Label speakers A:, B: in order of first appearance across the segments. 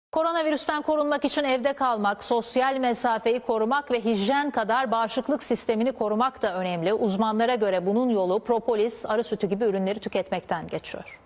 A: Koronavirüsten korunmak için evde kalmak, sosyal mesafeyi korumak ve hijyen kadar bağışıklık sistemini korumak da önemli. Uzmanlara göre bunun yolu propolis, arı sütü gibi ürünleri tüketmekten geçiyor.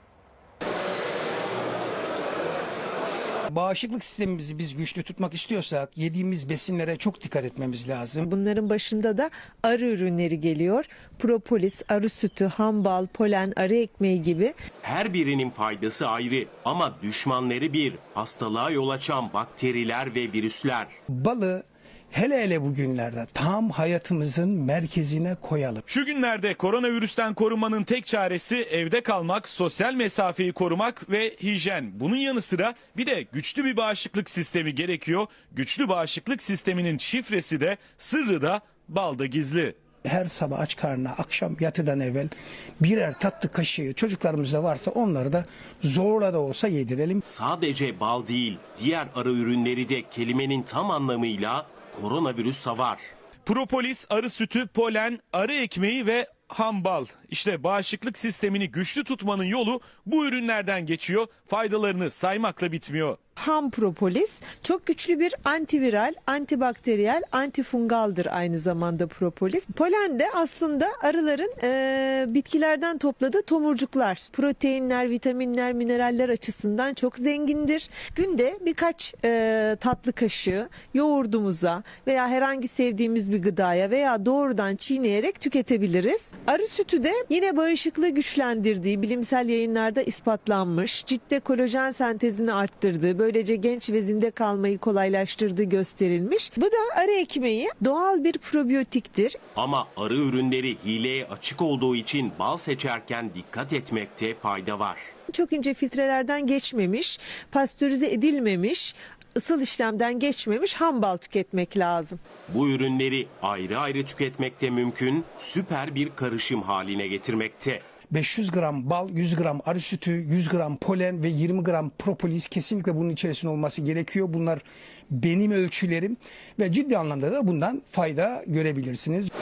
B: Bağışıklık sistemimizi biz güçlü tutmak istiyorsak yediğimiz besinlere çok dikkat etmemiz lazım.
C: Bunların başında da arı ürünleri geliyor. Propolis, arı sütü, ham bal, polen, arı ekmeği gibi.
D: Her birinin faydası ayrı ama düşmanları bir. Hastalığa yol açan bakteriler ve virüsler.
B: Balı hele bugünlerde tam hayatımızın merkezine koyalım.
E: Şu günlerde koronavirüsten korunmanın tek çaresi evde kalmak, sosyal mesafeyi korumak ve hijyen. Bunun yanı sıra bir de güçlü bir bağışıklık sistemi gerekiyor. Güçlü bağışıklık sisteminin şifresi de, sırrı da balda gizli.
B: Her sabah aç karnına akşam yatıdan evvel birer tatlı kaşığı çocuklarımızda varsa onları da zorla da olsa yedirelim.
D: Sadece bal değil, diğer arı ürünleri de kelimenin tam anlamıyla koronavirüs savar.
E: Propolis, arı sütü, polen, arı ekmeği ve ham bal. İşte bağışıklık sistemini güçlü tutmanın yolu bu ürünlerden geçiyor. Faydalarını saymakla bitmiyor.
C: Ham propolis çok güçlü bir antiviral, antibakteriyel, antifungaldır aynı zamanda propolis. Polen de aslında arıların bitkilerden topladığı tomurcuklar. Proteinler, vitaminler, mineraller açısından çok zengindir. Günde birkaç tatlı kaşığı yoğurdumuza veya herhangi sevdiğimiz bir gıdaya veya doğrudan çiğneyerek tüketebiliriz. Arı sütü de yine bağışıklığı güçlendirdiği bilimsel yayınlarda ispatlanmış. Ciltte kolajen sentezini arttırdığı, böylece genç ve zinde kalmayı kolaylaştırdığı gösterilmiş. Bu da arı ekmeği doğal bir probiyotiktir.
D: Ama arı ürünleri hileye açık olduğu için bal seçerken dikkat etmekte fayda var.
C: Çok ince filtrelerden geçmemiş, pastörize edilmemiş, ısıl işlemden geçmemiş ham bal tüketmek lazım.
D: Bu ürünleri ayrı ayrı tüketmekte mümkün, süper bir karışım haline getirmekte.
B: 500 gram bal, 100 gram arı sütü, 100 gram polen ve 20 gram propolis kesinlikle bunun içerisinde olması gerekiyor. Bunlar benim ölçülerim ve ciddi anlamda da bundan fayda görebilirsiniz.